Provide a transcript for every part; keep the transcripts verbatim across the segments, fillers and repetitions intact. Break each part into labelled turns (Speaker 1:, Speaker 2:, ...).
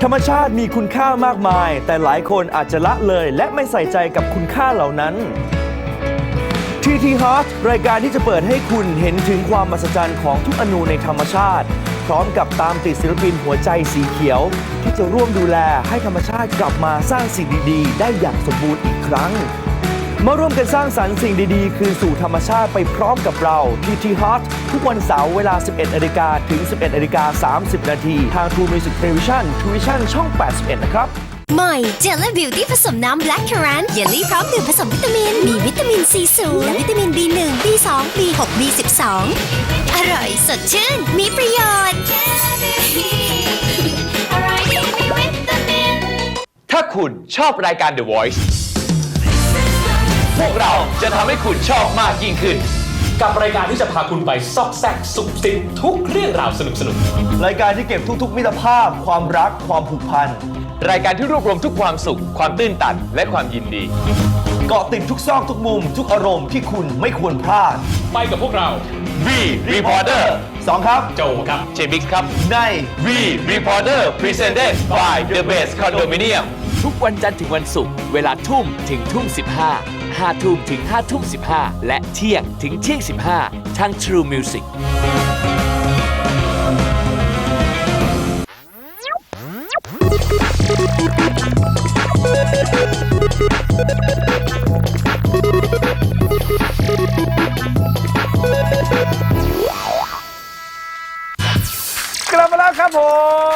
Speaker 1: ธรรมชาติมีคุณค่ามากมายแต่หลายคนอาจจะละเลยและไม่ใส่ใจกับคุณค่าเหล่านั้น ที ที Heart รายการที่จะเปิดให้คุณเห็นถึงความมหัศจรรย์ของทุกอนูในธรรมชาติพร้อมกับตามติดศิลปินหัวใจสีเขียวที่จะร่วมดูแลให้ธรรมชาติกลับมาสร้างสิ่งดีๆได้อย่างสมบูรณ์อีกครั้งมาร่วมกันสร้างสรรค์สิ่งดีๆคืนสู่ธรรมชาติไปพร้อมกับเรา ที ที Heart ทุกวันเสาร์เวลา สิบเอ็ดนาฬิกา ถึง สิบเอ็ดนาฬิกาสามสิบนาทีทาง True Music Television Tuition ช่อง แปดสิบเอ็ด นะครับ
Speaker 2: ใหม่เจลลี่บิวตี้ผสมน้ำแบล็คคารันเยลลี่พร้อมดื่มผสมวิตามินมีวิตามินซีสูงและวิตามิน บี หนึ่ง บี สอง บี หก บี สิบสอง อร่อยสดชื่นมีประโยชน์อร่อยดีมีวิตามิน
Speaker 3: ถ้าคุณชอบรายการ The Voice พวกเราจะทำให้คุณชอบมากยิ่งขึ้น
Speaker 4: กับรายการที่จะพาคุณไปซอกแซกสุขสิบทุกเรื่องราวสนุก
Speaker 1: ๆรายการที่เก็บทุกๆมิตรภาพความรักความผูกพัน
Speaker 3: รายการที่รวบรวมทุกความสุขความตื้นตันและความยินดี
Speaker 1: เกาะติดทุกซอกทุกมุมทุกอารมณ์ที่คุณไม่ควรพลาด
Speaker 4: ไปกับพวกเรา
Speaker 3: V Reporter
Speaker 1: สองครับ
Speaker 4: โจครับ
Speaker 3: เจมิกครับ
Speaker 1: ใน
Speaker 3: V Reporter Presented by The Base Condominium
Speaker 5: ทุกวันจันทร์ถึงวันศุกร์เวลาทุ่มถึงทุ่มสิบห้า ห้าทุ่มถึงห้าทุ่มสิบห้าและเที่ยงถึงเที่ยงสิบห้าทาง True Music
Speaker 1: กลับมาแล้วครับผม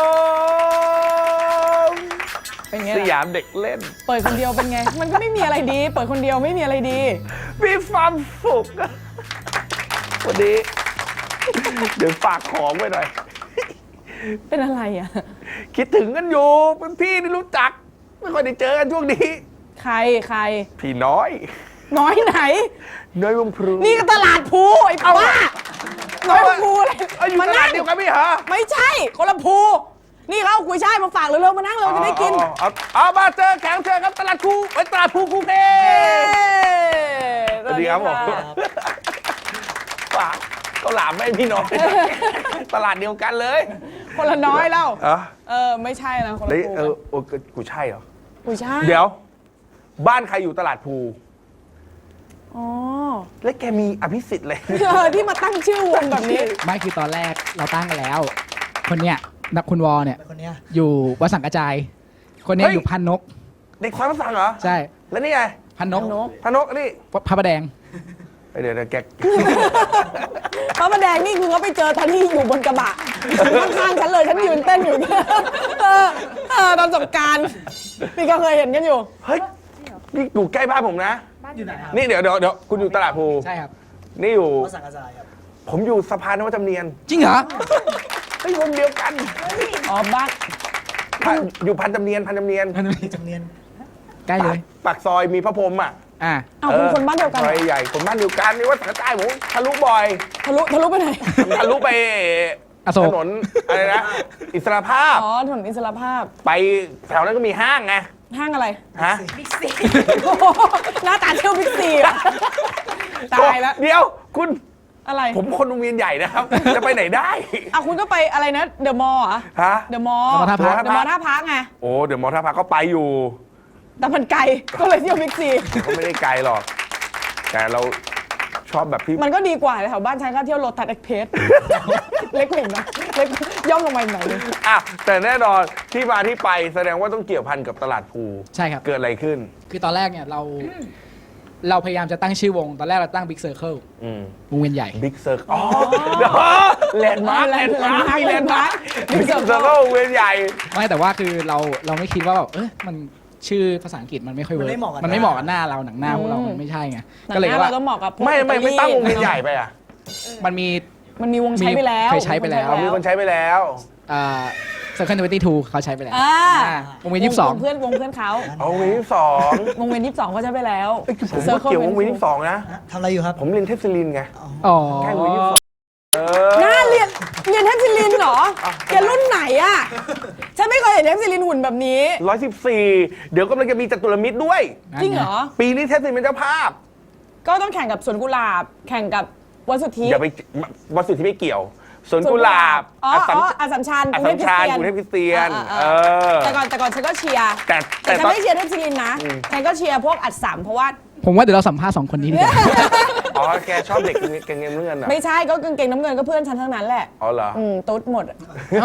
Speaker 6: เป็นไง
Speaker 1: สยามเด็กเล่น
Speaker 6: เปิดคนเดียวเป็นไงมันก็ไม่มีอะไรดีเปิดคนเดียวไม่มีอะไรดี
Speaker 1: มีความสุขวันนี้เดี๋ยวฝากของไว้หน่อย
Speaker 6: เป็นอะไรอ่ะ
Speaker 1: คิดถึงกันอยู่เป็นพี่ที่รู้จักไม่ค่อยได้เจอกันช่วงนี้
Speaker 6: ใครใคร
Speaker 1: พี่น้อย
Speaker 6: น้อยไหน
Speaker 1: น้อยวงพลู
Speaker 6: นี่ก็ตลาดภูไอ้ป้าน้อยวงพลูอะไร
Speaker 1: มานั่งเดียวกันพี่เหรอ
Speaker 6: ไม่ใช่คนละภูนี่เขาเอากุยช่ายมาฝากเร็วๆมานั่งเร็วจะได้กิน
Speaker 1: เอามาเจอแขกเจอครับตลาดภูไอ้ตลาดภูกรุงเทพสวัสดีครับผมฝากเขาหลามไม่พี่น้อยตลาดเดียวกันเลย
Speaker 6: คนละน้อยแล้วเออไม่ใช่นะคนละภู
Speaker 1: เออโอ้กุยช่ายเหรอ
Speaker 6: กุยช่าย
Speaker 1: เดี๋ยวบ้านใครอยู่ตลาดภู
Speaker 6: อ๋อ
Speaker 1: แล้วแกมีอภิสิทธิ์เลย
Speaker 6: ที่มาตั้งชื่อวงแบบนี้
Speaker 7: ไม่คือตอนแรกเราตั้งกันแล้วคนเนี้ยนักคุณวอเนี่ยอยู่วัดสังกระจายคนนี้อยู่พันนก
Speaker 1: เด็กควายพันสังเหรอ
Speaker 7: ใช่
Speaker 1: แล้วนี่ไง
Speaker 7: พันนก
Speaker 1: พันนกนี่
Speaker 7: พระประแดง
Speaker 1: เดี๋ยวแก
Speaker 6: พระประแดงนี่คือเขาไปเจอทันที่อยู่บนกระบะข้างๆฉันเลยฉันยืนเต้นอยู่เออเออตอนสงกรานต์นี่ก็เคยเห็นกันอยู่
Speaker 1: เฮ้ยนี่อยู่ใกล้บ้านผมนะ
Speaker 7: อยู่ไหนครับ
Speaker 1: นี่เดี๋ยวเดี๋ยวเดี๋ยวคุณอยู่ตลาดภู
Speaker 7: ใช่ครับ
Speaker 1: นี่อยู่วัดสังกระจายครับผมอยู่สะพานนวัดจำเนียน
Speaker 7: จริงเหรอ
Speaker 1: ไม่วงเดียวกัน
Speaker 6: อ๋อบ้าน
Speaker 1: อยู่พันจำเนียนพันจำเนียน
Speaker 7: พันจำเนียนใกล้เลย
Speaker 1: ปากซอยมีพระพรหมอ่ะ
Speaker 7: อ่า
Speaker 6: เอาคุณคนบ้านเดียวกัน
Speaker 1: ซอยใหญ่คนบ้านเดียวกันนี่ว่าสังกระจายผมทะลุบ่อย
Speaker 6: ทะลุทะลุไปไหน
Speaker 1: ทะลุไปถนนอะไรนะอิสรภาพ
Speaker 6: อ๋อถนนอิสรภาพ
Speaker 1: ไปแถวนั้นก็มีห้างไง
Speaker 6: ห้างอะไร
Speaker 1: ฮะ
Speaker 6: บิ๊กซีหน้าตาเที่ยวบิ๊กซีอ่ะตายแล้ว
Speaker 1: เดี๋ยวคุณ
Speaker 6: อะไร
Speaker 1: ผมคนวงเวียนใหญ่นะครับจะไปไหนได้
Speaker 6: อ่ะคุณก็ไปอะไรนะเดอะมอลล์อ่ะ
Speaker 1: ฮะ
Speaker 6: เดอะมอลล์เดอะมอลล์ท่าพระไง
Speaker 1: โอ้เดอะมอลล์ท่าพระก็ไปอยู่
Speaker 6: แต่มันไกลก็เลยเที่ยวบิ๊กซี
Speaker 1: ก็ไม่ได้ไกลหรอกแต่เราชอบแบบที่
Speaker 6: มันก็ดีกว่าแถวบ้านฉันก็เที่ยวโลตัสเอ็กเพรสเล็กหนึ่งนะเล็กย่อมลงมาหน่อยนึง
Speaker 1: อ่ะแต่แน่นอนที่มาที่ไปแสดงว่าต้องเกี่ยวพันกับตลาดภู
Speaker 7: ใช่ครับ
Speaker 1: เกิดอะไรขึ้น
Speaker 7: คือตอนแรกเนี่ยเราเราพยายามจะตั้งชื่อวงตอนแรกเราตั้ง Big Circle วงเวียนใหญ่
Speaker 1: Big Circle อ๋อแลนด์มาร์คแลนด์มาร์คแลนด์มาร์ค Big Circle วงเวียนใหญ่
Speaker 7: ไม่แต่ว่าคือเราเราไม่คิดว่าแบบเออมันชื่อภาษาอังกฤษมันไม่ค่อยเวิร์กมันไม่เหมาะกับหน้าเราหนังหน้าพวกเรามันไม่ใช่ไง
Speaker 6: ก็เลยว่าเราต้องเหมาะกับ
Speaker 1: ไม่ไม่ไม่ตั้งวงเวียนใหญ่ไปอ่ะ
Speaker 7: มันมี
Speaker 6: มันมีวงใช้ไปแล้ว
Speaker 7: เคยใช้ไปแล้ว
Speaker 1: มีคนใช้ไปแล้ว
Speaker 7: อ่าเซอร์เคิลทเวนตี้ทูเขาใช้ไปแล้ววงเวียนยี่สิบสอง
Speaker 6: เพื่อนวงเพื่อนเขา
Speaker 1: วงเวียนยี่สิบสอง
Speaker 6: วงเวียนยี่สิบสองเขาใช้ไปแล้ว
Speaker 1: ผมก็เกี่ยววงเวียนยี่สิบสองนะ
Speaker 8: ทำอะไรอยู่ครับ
Speaker 1: ผมเรียนเทพศิรินไง
Speaker 7: อ๋อ
Speaker 1: แค่วงเวียนยี่สิบสอง
Speaker 6: น่าเรียนเรียนเทพศิรินเหรอแกรุ่นไหนอ่ะฉันไม่เคยเห็นเทพศิรินหุ่นแบบนี้
Speaker 1: ร้อยสิบสี่เดี๋ยวกำลังจะมีจตุรมิตรด้วย
Speaker 6: จริงเหรอ
Speaker 1: ปีนี้เทพศิรินเป็นเจ้าภาพ
Speaker 6: ก็ต้องแข่งกับสวนกุหลาบแข่งกับวัดสุทธิ
Speaker 1: อย่าไปวัดสุทธิไม่เกี่ยว
Speaker 8: สวนกุหลาบ
Speaker 6: อ๋อ
Speaker 8: อัสสัม
Speaker 6: อ๋ออัสสัมชัญ
Speaker 8: อัส
Speaker 6: กรุ
Speaker 8: สั
Speaker 6: ง
Speaker 8: ม
Speaker 6: เทพ
Speaker 8: ชัญ
Speaker 6: ค
Speaker 8: กรุงเท
Speaker 6: ริ
Speaker 8: พ
Speaker 6: ส
Speaker 8: คริสเตียน
Speaker 6: อ่า
Speaker 8: เอ
Speaker 6: อ่า
Speaker 8: อ
Speaker 6: แต่ก่อนแต่ก่อนฉันก็เชียร์
Speaker 8: แต่
Speaker 6: แต่
Speaker 8: แต่
Speaker 6: ฉัน
Speaker 8: ตอน
Speaker 6: ไม่เชียร์เทพศิรินทร์นะฉันก็เชียร์พวกอัดสัมเพราะว่า
Speaker 7: ผมว่าเดี๋ยวเราสัมภาษณ์สองคนนี้ดีกว่า
Speaker 8: อ๋อแกชอบเด็กเกงเงินเงื่อนเหรอ
Speaker 6: ไม่ใช่ก็กางเกงน้ำเงินก็เพื่อนฉันทั้งนั้นแหละ
Speaker 8: อ๋อเหรอ
Speaker 6: อืมตุ๊ดหมด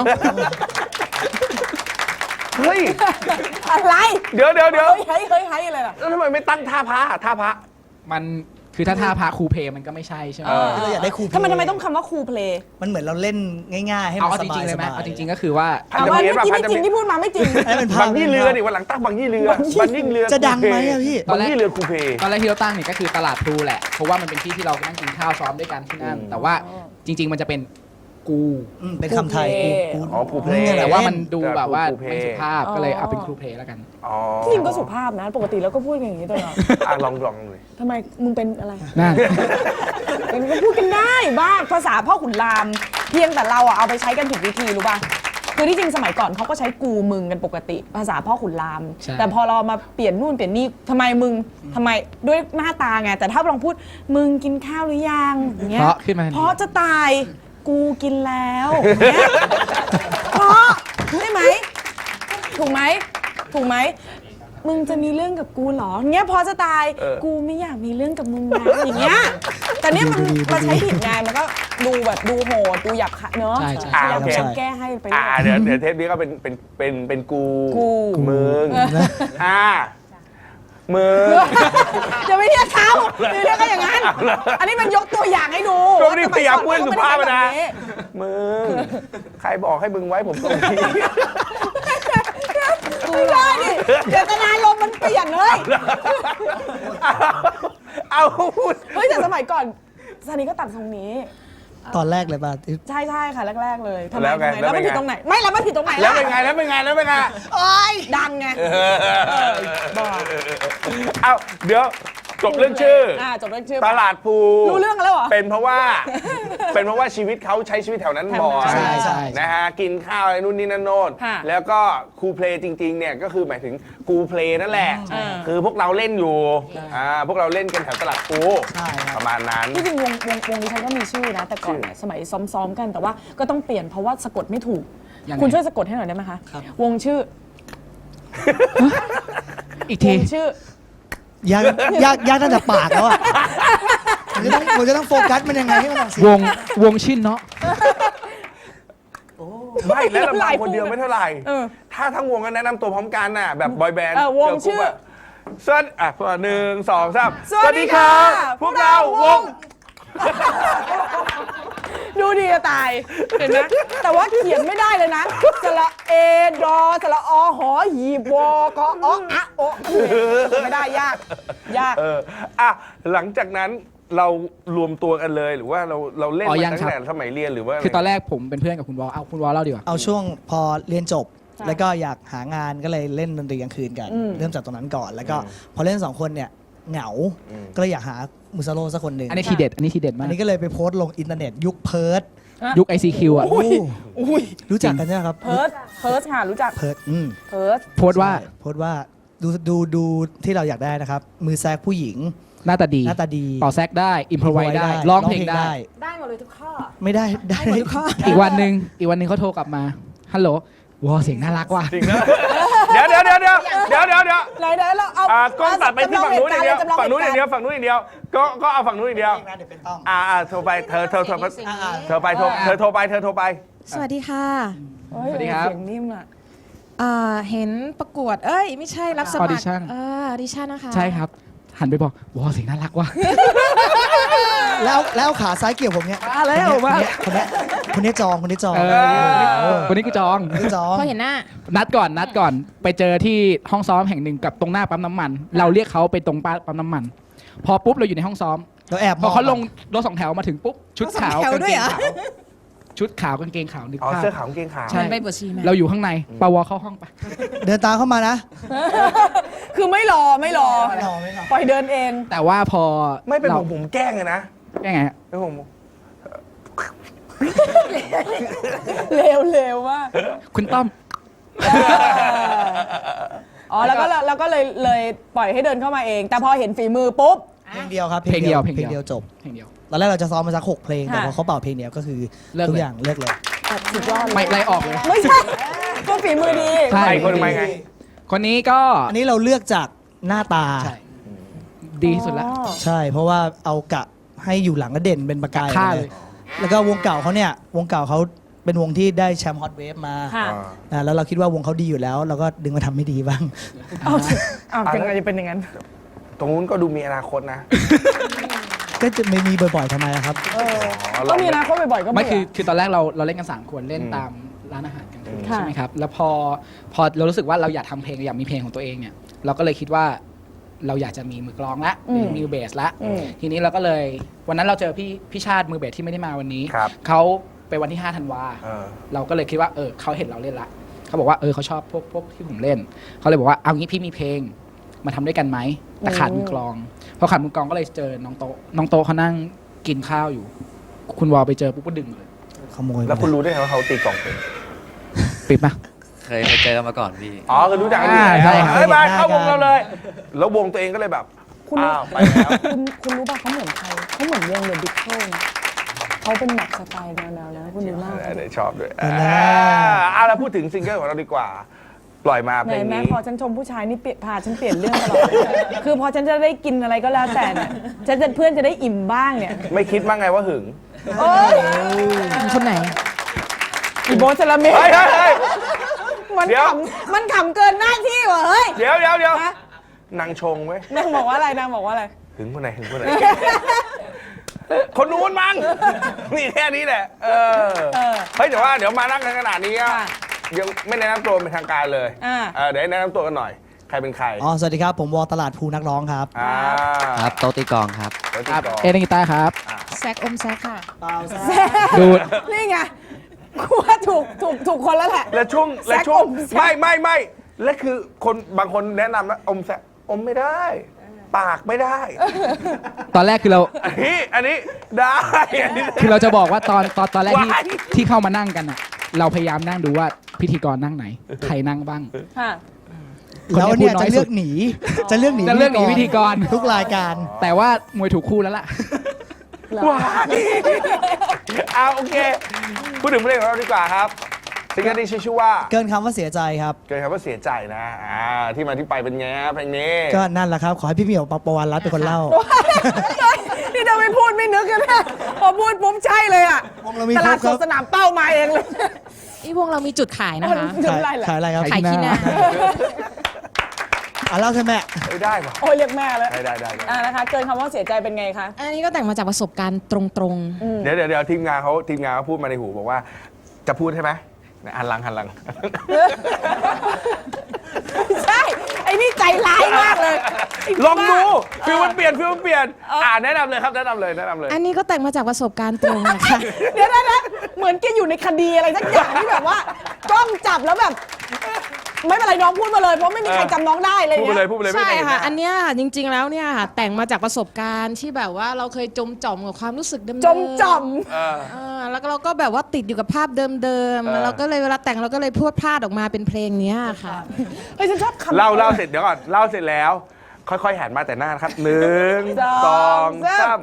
Speaker 8: เฮ้ย
Speaker 6: อะไร
Speaker 8: เดี๋ยวเดี๋ยวเดี๋ยว
Speaker 6: เฮ้ยเฮ้ยเฮ้ยอะไรล่ะ
Speaker 8: แล้วทำไมไม่ตั้งท่าพระท่าพระ
Speaker 7: มันคือถ้าท่าพาครูเพมันก็ไม่ใช่ใช่ไหม
Speaker 9: เราอยากได้ครูเพลง
Speaker 6: ทำไมทำไมต้องคำว่าครูเพลย์
Speaker 9: มันเหมือนเราเล่นง่ายๆ ให้
Speaker 7: เอา
Speaker 9: มัน
Speaker 7: เอา
Speaker 9: ส
Speaker 7: จ
Speaker 9: บา
Speaker 7: ริ
Speaker 9: ย
Speaker 7: งๆเลยไหม
Speaker 9: สบาย
Speaker 7: เอาจริงๆก็คือว่า
Speaker 8: พัน
Speaker 6: เอา
Speaker 8: ธ
Speaker 6: ว่า
Speaker 8: มิตร
Speaker 6: เมื่อกี้
Speaker 8: พัน
Speaker 6: ไม่
Speaker 8: ธ
Speaker 6: จริ
Speaker 8: มิ
Speaker 6: ง
Speaker 8: ตร
Speaker 6: ที่พูดมาไม่จริง
Speaker 9: ให้มันภา
Speaker 8: บั
Speaker 9: พ
Speaker 8: งยี่เรือดิวันหลังตั้งบังยี่เรือบังยี่เรือ
Speaker 9: จะดังไหมอะพี่
Speaker 8: บังยี่เรือครูเพ
Speaker 7: ตอนแรกที่เราตั้งเนี่ยก็คือตลาดพลูแหละ เพราะว่ามันเป็นที่ที่เรานั่งกินข้าวซ้อมด้วยกันที่นั่น แต่ว่าจริง ๆ มันจะเป็นกู
Speaker 9: อืมเป็นคำไทย
Speaker 6: ครู
Speaker 9: กู
Speaker 8: อ๋อครูเพล
Speaker 9: เนี่ยแหละ
Speaker 7: แต่ว่ามันดู
Speaker 8: แต่
Speaker 7: แบบว่า
Speaker 8: ครูเพ
Speaker 7: ไม่สุภาพก็เลยเอาเป็นครูเพลแล้วกัน
Speaker 8: อ๋อ
Speaker 6: จริงก็สุภาพนะ ปกติแล้วก็พูดอย่างนี้ตลอด
Speaker 8: อ่ะลองลองเลย
Speaker 6: ทำไมมึงเป็นอะไร
Speaker 7: นั่น
Speaker 6: มันก็พูดกันได้บ้างภาษาพ่อขุนราม เพียงแต่เราอะเอาไปใช้กันผิดวิธีรู้ป่ะคือที่จริงสมัยก่อนเขาก็ใช้กูมึงกันปกติ ภาษาพ่อขุนราม
Speaker 7: ใช่
Speaker 6: แต่พอเรามาเปลี่ยนนู่นเปลี่ยนนี่ทำไมมึงทำไมด้วยหน้าตาไงแต่ถ้าลองพูดมึงกินข้าวหรือยังอย่างเงี้ย
Speaker 7: เพราะขึ้นมาทันที
Speaker 6: เพราะจะตายกูกินแล้วอย่างเงี้ยเพราะใช่ไหมถูกไหมถูกไหมมึงจะมีเรื่องกับกูเหรออย่างเงี้ยพอจะตายกูไม่อยากมีเรื่องกับมึงนะอย่างเงี้ยแต่เนี้ยมันมันใช้ผิดไงมันก็ดูแบบดูโหดดูหยาบคายเนอะ
Speaker 7: ใช่ใช่
Speaker 6: พยายาม
Speaker 8: โอเค
Speaker 6: จะแก้ให้ไป
Speaker 8: อ่า
Speaker 6: เรื่อย
Speaker 8: เดี๋ยวเดี๋ยวเทปนี้ก็เป็นเป็นเป็นเป็นกู
Speaker 6: กู
Speaker 8: มึงอ่ามึง
Speaker 6: จะไม่เรียกเขาไม่เรียกก็อย่างนั้น อันนี้มันยกตัวอย่างให้ดู
Speaker 8: ช่วงนี้พยายามพูดสุภาพ
Speaker 6: แบ
Speaker 8: นะ
Speaker 6: บนี้
Speaker 8: มึงใครบอกให้มึงไว้ผมตรงนี้
Speaker 6: ไม่ได้ดิเจตนารมณ์มันเปลี่ยนเลย
Speaker 8: เอาพูด
Speaker 6: เฮ้ยแต่สมัยก่อนซานีก็ตัดทรงนี้
Speaker 9: ตอนแรกเลยป่ะที่
Speaker 6: ใช่ใช่ค่ะแรกๆเลยทำไม
Speaker 8: แล้วไง
Speaker 6: ทำไมแล้วมัน
Speaker 8: แล้วไง
Speaker 6: ผิดตรงไหนไม่แล้วมันผิดตรงไหน
Speaker 8: แล้ว
Speaker 6: ล่ะ
Speaker 8: เป็นไงแล้วเป็นไงแล้วเป็นไง
Speaker 6: โอ๊ยดังไง บอก
Speaker 8: เอาเดี๋ยวจบเรื่องชื่อ
Speaker 6: อ่าจบเรื่องชื่อ
Speaker 8: ตลาดภู
Speaker 6: รู้เรื่องกันแล้วเหรอ
Speaker 8: เป็นเพราะว่า เป็นเพราะว่าชีวิตเขาใช้ชีวิตแถวนั้นบ่อย
Speaker 6: ใช่
Speaker 9: ใช่
Speaker 8: นะฮะกินข้าวอะไรนู่นนี่นั่นโน่น
Speaker 6: ค่ะ
Speaker 8: แล้วก็ครูเพลย์จริงๆเนี่ยก็คือหมายถึงกูเพลย์นั่นแหละ
Speaker 6: ใช่
Speaker 8: คือพวกเราเล่นอยู่อ่าพวกเราเล่นกันแถวตลาดภู
Speaker 9: ใช่ครับ
Speaker 8: ประมาณนั้น
Speaker 6: ที่จริงวงวงวงนี้ฉันก็มีชื่อนะ แต่ก่อนเนี่ยสมัยซ้อมๆกันแต่ว่าก็ต้องเปลี่ยนเพราะว่าสะกดไม่ถูก
Speaker 7: ยังไง
Speaker 6: คุณช่วยสะกดให้หน่อยได้ไหมคะ
Speaker 9: ครับ
Speaker 6: วงชื่อ
Speaker 7: อีก
Speaker 6: ว
Speaker 7: ที
Speaker 6: งชื่อ
Speaker 9: ยากยากยากตั้งแต่ปากแล้วอ่ะผมจะต้องผมจะต้องโฟกัสมันยังไงให้มันออกเสียง
Speaker 7: วงวงชินเนาะ
Speaker 8: ไม่แล้วลำพังคนเดียวไม่เท่าไหร่
Speaker 6: เออ
Speaker 8: ถ้าทั้งวงก็แนะนำตัวพร้อมกันน่ะแบบบอยแบนด์
Speaker 6: เออวงชื่อ
Speaker 8: สวัสดีอ่ะหนึ่งสองสาม
Speaker 6: สวัสดีค่ะ
Speaker 8: พวกเราวง
Speaker 6: ดูดีจะตาย เห็นไหมแต่ว่าเขียนไม่ได้เลยนะสระเอดอสระอหอหีบวกออะโอะไม่ได้ยาก ยาก
Speaker 8: เอออ่ะหลังจากนั้นเรารวมตัวกันเลยหรือว่าเราเราเล่น
Speaker 7: อ๋อ
Speaker 8: มา
Speaker 7: ยัง
Speaker 8: ตั้
Speaker 7: ครั
Speaker 8: ง
Speaker 7: บ
Speaker 8: แต่สมัยเรียนหรือว่าะไร
Speaker 7: คือตอนแรกผมเป็นเพื่อนกับคุณวอลเอาคุณวอลเล่าดีกว่า
Speaker 9: เอาช่วงพอเรียนจบ
Speaker 6: ใช่
Speaker 9: แล้วก็อยากหางานก็เลยเล่นดนตรีกลางคืนกัน
Speaker 6: อืม
Speaker 9: เริ่มจากตรงนั้นก่อน แล้วก็พอเล่นสองคนเนี่ยเหงา ก็เลยอยากหามุซาโลสักคนหนึ่ง
Speaker 7: อันนี้ทีเด็ด อันนี้ทีเด็ดมา
Speaker 9: อั
Speaker 7: ก
Speaker 9: นนี้ก็เลยไปโพสต์ลงอินเทอร์เน็ตยุคเพิร์ด
Speaker 7: ยุค ไอ ซี คิว อ่ะ
Speaker 9: โอ้
Speaker 6: อุ้ย
Speaker 9: รู้จักกันใช่ไหมครับ
Speaker 6: เพิร์สเพิร์สค่ะรู้จัก
Speaker 9: เพิร์ดอืม
Speaker 6: เพิร์ส
Speaker 7: โพสต์ว่า
Speaker 9: ใช่โพสต์ว่าดูดูดูที่เราอยากได้นะครับ มือแซกผู้หญิง
Speaker 7: หน้าตาดี
Speaker 9: หน้าตาดี
Speaker 7: เป่าแซกได้อิมพอไวได้ร้องเพลงได้
Speaker 6: ได้หมดเลยทุกข้อ
Speaker 9: ไม่ได้ได้
Speaker 6: ได้หมดทุกข้อ
Speaker 7: อีกวันหนึ่งอีกวันหนึ่งเขาโทรกลับมาฮัลโหลวอเสียงน่ารักว่ะ
Speaker 8: จริงนะเดี๋ยวเดี๋ยวเดี๋ยวเดี๋ยวเดี๋ยวเดี๋ยวเดี๋ยว
Speaker 6: ไหนไหนเราเอา
Speaker 8: อ่ากล้องตัดไปที่ฝั่งนู้นอย่างเดียว
Speaker 6: จำลอ
Speaker 8: ฝั่งนู้นอย่างเดียว
Speaker 6: หตุกรณ์
Speaker 8: ฝั่งนู้นอย่างเดียวก็ก็เอาฝั่งนู้นอย่างเดียว
Speaker 9: เดี๋ยวเป็นต้อง
Speaker 8: อ่าอ่าโทรไปเธอเธอเธอ
Speaker 9: อ่า
Speaker 8: เธอไปโทรเธอโทรไปเธอโทรไป
Speaker 10: สวัสดีค่ะ
Speaker 6: เฮ้ย
Speaker 7: สวัสดีครับ
Speaker 6: เสียงนิ่มอ่ะ
Speaker 10: อ่าเห็นประกวด เอ้ย ไม่ใช่รับสมัคร
Speaker 7: Audition
Speaker 10: เออออดิชั่นนะคะ
Speaker 7: ใช่ครับ หันไปบอกวอเสียงน่ารักว่ะ
Speaker 9: แล้วแล้วขาซ้ายเกี่ยวผมเนี่ย
Speaker 7: มาแล้ว
Speaker 9: คน
Speaker 7: มา
Speaker 9: เนี้ยคนเนี้ยคนเนี้ยจองคนนี้จอง
Speaker 7: เออวันนี้กูจอง
Speaker 9: คนนี้จอง
Speaker 10: พอเห็นหน้า
Speaker 7: นัดก่อนนัดก่อนไปเจอที่ห้องซ้อมแห่งหนึ่งกับตรงหน้าปั๊มน้ำมัน เราเรียกเขาไปตรงปั๊มน้ำมัน พอปุ๊บเราอยู่ในห้องซ้อม
Speaker 9: เราแอบม
Speaker 7: พ
Speaker 9: อ
Speaker 7: อง เขาลงรถสองแถวมาถึงปุ๊บชุดขาว
Speaker 10: รถสองแถว
Speaker 7: กาง
Speaker 10: ด้ว
Speaker 7: เก
Speaker 10: ย
Speaker 7: ง
Speaker 10: เหรอ
Speaker 7: ขาวชุดขาวกางเกงขาวนึก
Speaker 8: อ๋อ
Speaker 7: ภาพ
Speaker 8: เสื้อขาวกางเกงขาว
Speaker 7: ใช่
Speaker 10: ไปบวชชีไหม
Speaker 7: เราอยู่ข้างในปาวอเข้าห้องไป
Speaker 9: เดินตามเข้ามานะ
Speaker 6: คือไม่รอไม่รอ
Speaker 9: ไม่รอไม่รอ
Speaker 6: ปล่อยเดินเอง
Speaker 7: แต่ว่าพอ
Speaker 8: ไม่เป็น
Speaker 7: รา
Speaker 8: ผมผมแกล้งเลยนะ
Speaker 7: แก้ไงฮะ
Speaker 8: เป็นผม
Speaker 6: เร็วเร็วมาก
Speaker 7: คุณต้อม
Speaker 6: อ๋อแล้วก็แล้วก็เลยเลยปล่อยให้เดินเข้ามาเอง แต่พอเห็นฝีมือปุ๊บ
Speaker 9: เพลงเดียวครับ
Speaker 7: เพลงเดียวเพลง
Speaker 9: เพล
Speaker 7: เดียว
Speaker 9: งเดียวจบ
Speaker 7: เพลงเดียว
Speaker 9: ตอนแรกเราจะซ้อมมาสักหกเพลง แต่
Speaker 6: ค่ะ
Speaker 9: พอเขาเป่าเพลงเดียวก็คือ
Speaker 7: เลิกเลย
Speaker 9: ทุกอย่างเลิกเลย
Speaker 6: แบบสุดยอดเลย
Speaker 7: ไม่ไล่ออกเลย
Speaker 6: ไม่ใช่ก็ฝีมือดี
Speaker 7: ใช่
Speaker 8: ใครคนใหม่ไง
Speaker 7: คนนี้ก็
Speaker 9: อันนี้เราเลือกจากหน้าตา
Speaker 7: ใช่ดีที่สุดละ
Speaker 6: อ๋อ
Speaker 9: ใช่ เพราะว่าเอากะให้อยู่หลังก็เด่นเป็นประกาย
Speaker 7: ฆ่า
Speaker 9: เล
Speaker 7: เลย ย
Speaker 9: แล้วก็วงเก่าเขาเนี่ยวงเก่าเขาเป็นวงที่ได้แชมป์ฮอตเวฟมา
Speaker 6: ค่ะ
Speaker 9: อ่าแล้วเราคิดว่าวงเขาดีอยู่แล้ว เราก็ดึงมาทำไม่ดีบ้าง
Speaker 6: เอาเอายังไงจะเป็นอย่างนั้น
Speaker 8: ตรงนู้นก็ดูมีอนาคตนะ
Speaker 9: ก็จะไม่มีบ่อยๆทำไมล่ะครับ
Speaker 6: เออ
Speaker 8: อ๋อ
Speaker 6: ก็มีอนาคตบ่อยๆก็
Speaker 7: ไม่
Speaker 6: เบื่
Speaker 7: คือคือตอนแรกเราเราเล่นกันสามคนเล่น
Speaker 8: อืม
Speaker 7: ตามร้านอาหารกันคืน
Speaker 6: ค่ะ
Speaker 7: ใช่ไหมครับแล้วพอพอเรารู้สึกว่าเราอยากทำเพลงอยากมีเพลงของตัวเองเนี่ยเราก็เลยคิดว่าเราอยากจะมีมือกลองละมีมือเบสละ
Speaker 6: อืม
Speaker 7: ทีนี้เราก็เลยวันนั้นเราเจอพี่พี่ชาติมือเบสที่ไม่ได้มาวันนี้
Speaker 8: ครับ
Speaker 7: เขาไปวันที่ห้าธันวา
Speaker 8: เออ
Speaker 7: เราก็เลยคิดว่าเออเขาเห็นเราเล่นละเขาบอกว่าเออเขาชอบพวกพวกที่ผมเล่นเขาเลยบอกว่าเอางี้พี่มีเพลงมาทำด้วยกันไหมแต่ขาดมือกลองพอขาดมือกลองก็เลยเจอน้องโตะน้องโตะเขานั่งกินข้าวอยู่ คุณวอลไปเจอปุ๊บก็ดึงเลย
Speaker 9: ขโมย
Speaker 8: แล้วคุณรู้ได้ไงว่าเขาตีกล่องเป็น
Speaker 7: ปิดปะ
Speaker 3: เคยเคยเจอกันมาก่อนพี่
Speaker 8: อ๋อคือรู้จักกันอยู่
Speaker 7: อ่า
Speaker 8: แล้ว
Speaker 7: ใช่ครับ
Speaker 8: เฮ้ยมาเข้าวงเราเลย แล้ววงตัวเองก็เลยแบบ
Speaker 6: คุณ
Speaker 8: อ้าวไปแล้ว
Speaker 6: คุณคุณรู้ป่ะเขาเหมือนใครเขาเหมือนวงเดอะบิ๊กเคิลนะเขาเป็นแบบสไตล์แนวๆนะคุณดูหน้าเขา
Speaker 8: เดี๋
Speaker 6: ดิ
Speaker 8: ยวชอบด้วยอ่าเอาละพูดถึงซิงเกิลของเราดีกว่า ปล่อยมา
Speaker 6: ไห
Speaker 8: เพล
Speaker 6: น
Speaker 8: ง
Speaker 6: แม่
Speaker 8: นี้
Speaker 6: พอฉันชมผู้ชายนี่เปลี่ยนพาฉันเปลี่ยนเรื่องตลอดเลยคือพอฉันจะได้กินอะไรก็แล้วแต่เนี่ยฉันจะเพื่อนจะได้อิ่มบ้างเนี่ย
Speaker 8: ไม่คิดบ้างไงว่าหึง
Speaker 6: โอ๊ย
Speaker 10: คนไหน
Speaker 6: อีโบสลาเม
Speaker 8: เฮ้ยเฮ้ยเฮ้ย
Speaker 6: มัน
Speaker 8: เดี๋ยว
Speaker 6: ขำมันขำเกินหน้าที่ว่ะเฮ้ย
Speaker 8: เดี๋ยวเดี๋ยวเดี๋ยว
Speaker 6: ฮะ
Speaker 8: นางชงไว้ย
Speaker 6: นางบอกว่าอะไรนางบอกว่าอะไร
Speaker 8: หึงคนไหนหึงคนไหน คนนู้นมั้งนี่แค่นี้แหละ เออ
Speaker 6: เออ
Speaker 8: เฮ้ยแต่ว่าเดี๋ยวมานั่งกันขนาดนี้อะ
Speaker 6: ค่ะ
Speaker 8: ยังไม่แนะนำตัวเป็นทางการเลย
Speaker 6: อ่า
Speaker 8: เออเดี๋ยวให้แนะนำตัวกันหน่อย ใครเป็นใคร
Speaker 9: อ๋อ สวัสดีครับ ผมวอลตลาดภูนักร้องครับ
Speaker 8: อ่า
Speaker 3: ครับโตตีกองครับ
Speaker 8: แล้ว
Speaker 7: ครับ
Speaker 8: ติดต่อ
Speaker 7: เอเดนกีตาร์ครับ
Speaker 10: แซกอมแซกค่ะ
Speaker 7: ดูด
Speaker 6: นี่ไงกูว่าถูกถูกถูกคนแล้วแหละ
Speaker 8: และช่วงและ
Speaker 6: แซก
Speaker 8: ช่วง
Speaker 6: อมแซก
Speaker 8: ไม่ไม่ไม่และคือคนบางคนแนะนำนะอมแซกอมไม่ได้ ปากไม่ได้
Speaker 7: ตอนแรกคือเรา
Speaker 8: อันนี้อันนี้ได้อันนี้
Speaker 7: คือเราจะบอกว่าตอนตอนตอนแรกที่
Speaker 8: ว้าย
Speaker 7: ที่เข้ามานั่งกันอ่ะ เราพยายามนั่งดูว่าพิธีกรนั่งไหน ใครนั่งบ้าง
Speaker 6: ค่ะ
Speaker 7: คน
Speaker 9: แล้ว
Speaker 7: นี้
Speaker 9: เนี่ย
Speaker 7: พูดน้
Speaker 9: จะ
Speaker 7: อย
Speaker 9: เลื
Speaker 7: สุ
Speaker 9: อ
Speaker 7: ด
Speaker 9: กหนี จะเลือกหนี
Speaker 7: จะเลือกหนีพิธีกร
Speaker 9: ทุกรายการ
Speaker 7: แต่ว่ามวยถูกคู่แล้วล่ะ
Speaker 8: ว้ายเอาโอเค พูดถึงเพลงของเราดีกว่าครับซิงเกิลนี้ชื่อชื่อว่า
Speaker 9: เกินคำว่าเสียใจครับ
Speaker 8: เกินคำว่าเสียใจนะอ่าที่มาที่ไปเป็นไงฮะเพลงนี้
Speaker 9: ก็นั่นแหละครับ ขอให้พี่เหมียวปประวันรัตน์เป็นคนเล่า
Speaker 6: นี่ถ้าไม่พูดไม่นึกกันนะพอพูดปุ๊บใช่เลยอ่ะ
Speaker 9: วงเรามี
Speaker 6: ตลาด
Speaker 9: คร
Speaker 6: ส
Speaker 9: บ
Speaker 6: ดสนามเป้ามาเองเลย
Speaker 10: อีวงเรามีจุดขายนะคะ
Speaker 6: จุด
Speaker 9: ขาย
Speaker 6: อะไรเหรอ
Speaker 9: ขายอะไรครับ
Speaker 10: ขายขี้หน้า
Speaker 9: อ่ะเล่าใช่ไหม
Speaker 8: เอ้ยได้ป่ะ
Speaker 6: โอ้ยเรียกแม่แล้ว
Speaker 8: ได้ได้ได้ได้
Speaker 6: อ่านะคะ เกินคำว่าเสียใจเป็นไงคะ
Speaker 10: อันนี้ก็แต่งมาจากประสบการณ์ตรง
Speaker 8: เดี๋ยวเดี๋ยวเดี๋ยวทีมงานเขาทีมงานเขาพูดมาในหูบอกว่าจะพูดใช่ไหมเนี่ยหันหลังหันหลัง
Speaker 6: ใช่ ไอ้นี่ใจร้ายมากเลยไ
Speaker 8: ลองดู
Speaker 6: บ้า
Speaker 8: ฟิลมันเปลี่ยนฟิลมันเปลี่ยนอ่าแนะนำเลยครับแนะนำเลยแนะนำเลย
Speaker 10: ๆ อันนี้ก็แต่งมาจากประสบการณ์ตรงนะคะ
Speaker 6: เดี๋ยวนะนะเหมือนแกอยู่ในคดีอะไรสักอย่างที่แบบว่า กล้องจับแล้วแบบ ไม่เป็นไรน้องพูดมาเลย เพราะไม่มีใครจำน้องได้เลย
Speaker 8: พูดไป
Speaker 6: เนี่
Speaker 8: เลย
Speaker 6: ย
Speaker 8: พูดไปเลยไม่
Speaker 10: ใช่
Speaker 8: ได้เห็นห
Speaker 10: ค่ะ
Speaker 8: น้า
Speaker 10: อันเนี้ยจริง ๆ แล้วเนี่ยค่ะแต่งมาจากประสบการณ์ที่แบบว่าเราเคยจมจ่อมกับความรู้สึกเดิมๆ
Speaker 6: จมจ่อม
Speaker 8: เออ
Speaker 10: เออแล้วก็เราก็แบบว่าติดอยู่กับภาพเดิม
Speaker 8: เออ
Speaker 10: ๆเราก็เลยเวลาแต่งเราก็เลยพูดพลาดออกมาเป็นเพลงเนี้ยค่ะ
Speaker 6: เฮ้ยฉันชอบคำ
Speaker 8: เล่าเล่าเสร็จเดี๋ยวก่อนเล่าเสร็จแล้ว ค่อยๆหันมาแต่หน้านะครับหนึ่ง
Speaker 6: ส
Speaker 8: ส
Speaker 6: อ
Speaker 8: อง ง
Speaker 6: สา
Speaker 8: สาม ม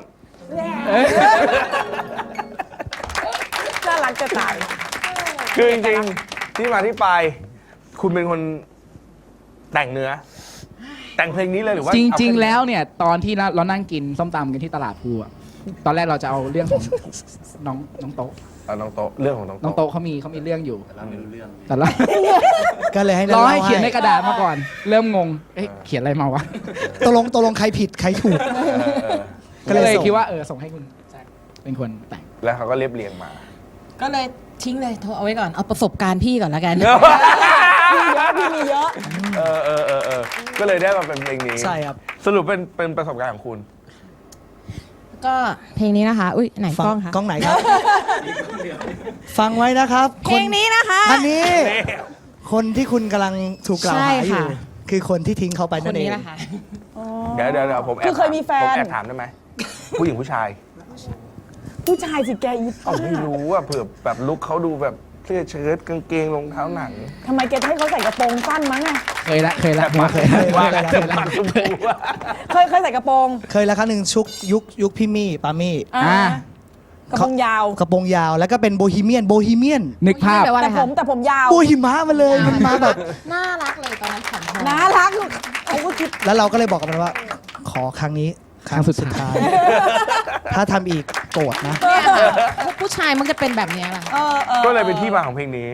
Speaker 6: น่ารักจะตาย
Speaker 8: คือจริงๆที่มาที่ไป คุณเป็นคนแต่งเนื้อ แต่งเพลงนี้เลยหรือว่า
Speaker 7: จริง
Speaker 8: เอา
Speaker 7: ๆ แล้วเนี่ย ตอนที่เราเรานั่งกินส้มตำกันที่ตลาดภูอะตอนแรกเราจะเอาเรื่องของน้องน้องโต๊ะ
Speaker 8: เอาน้องโตะเรื่องของน้อง
Speaker 7: น้อง
Speaker 8: โตะ
Speaker 7: โต๊ะเขามีเขามีเรื่องอยู่แต่ละ
Speaker 9: ก็เลยให้
Speaker 7: รอให้
Speaker 9: ล่า
Speaker 7: เขียนในกระดาษมาก่อน เริ่มงง เอ๊ะเขียนอะไรมาวะ
Speaker 9: ตกลงตกลงใครผิดใครถูก
Speaker 8: เออเออ
Speaker 9: ก็
Speaker 7: ก็
Speaker 9: เลย
Speaker 7: เลย
Speaker 9: ส่ง
Speaker 7: คิดว่าเออส่งให้คุณแจ็คเป็นคนแต่ง
Speaker 8: แล้วเขาก็เรียบเรียงมา
Speaker 10: ก็เลยทิ้งเลยโทรเอาไว้ก่อนเอาประสบการณ์พี่ก่อนแล้วกัน
Speaker 6: พี่เยอะพี่มีเยอะ
Speaker 8: เออเออเออเออก็เลยได้มาเป็นเพลงนี้
Speaker 9: ใช่ครับ
Speaker 8: สรุปเป็นเป็นประสบการณ์ของคุณ
Speaker 10: ก็เพลงนี้นะคะ อุ้ยไหน
Speaker 9: ฟั
Speaker 10: กล้องคะ
Speaker 9: กล้องไหนครับ ฟังไว้นะครับ
Speaker 10: เพลงนี้นะคะ
Speaker 9: อันนี้ คนที่คุณกำลังถูกกล่าวหา
Speaker 10: ใช่
Speaker 9: อยู่
Speaker 10: ค่ะ
Speaker 9: คือคนที่ทิ้งเขาไป
Speaker 10: ค
Speaker 9: นั่
Speaker 10: น
Speaker 9: นเอ
Speaker 10: นี้
Speaker 9: ง
Speaker 10: แหละค่ะ
Speaker 8: เดี๋ยวเดี๋ยวเดี๋ยวผมแอบ
Speaker 6: คือเคยมีแฟน
Speaker 8: ผมแอบถามได้ไหมผู้หญิงผู้ชาย
Speaker 6: ผู้ชายสิแกอี
Speaker 8: อ๋อไม่รู้อ่ะเผื่อแบบลุคเขาดูแบบเสื้อเชิ้ตกางเกงรองเท้าหนัง
Speaker 6: ทำไมแกจะให้เขาใส่กระโปรงสั้นมั้งอะ
Speaker 7: เคยละเคยละผมว่าเคย
Speaker 8: ว่ากันจะปัดชมพูว่า
Speaker 6: เคยเคยใส่กระโปรง
Speaker 9: เคยแล้วครั้งหนึ่งชุกยุคยุคพี่มี่ปามี่
Speaker 6: อ่า กระโปรงยาว
Speaker 9: กระโปรงยาวแล้วก็เป็นโบฮีเมียนโบฮีเมียน
Speaker 7: นึกภาพ
Speaker 10: แปลว่าอะไร
Speaker 6: แต่ผ
Speaker 10: คะ
Speaker 6: มแต่ผมยาว
Speaker 9: โบหิมะมาเลยมันมาแบบ
Speaker 10: น่ารักเลยตอนนั้นผอมๆ
Speaker 6: น่ารักเขาก็คิด
Speaker 9: แล้วเราก็เลยบอกกับมันว่า ขอครั้งนี้ครั้งสุดท้าย ถ้าทำอีกโกรธนะ
Speaker 10: เนี่ยค่ะผู้ชายมันจะเป็นแบบเนี้ยแหละ
Speaker 6: เออออ
Speaker 8: ก็เลยเป็นที่มาของเพลงนี้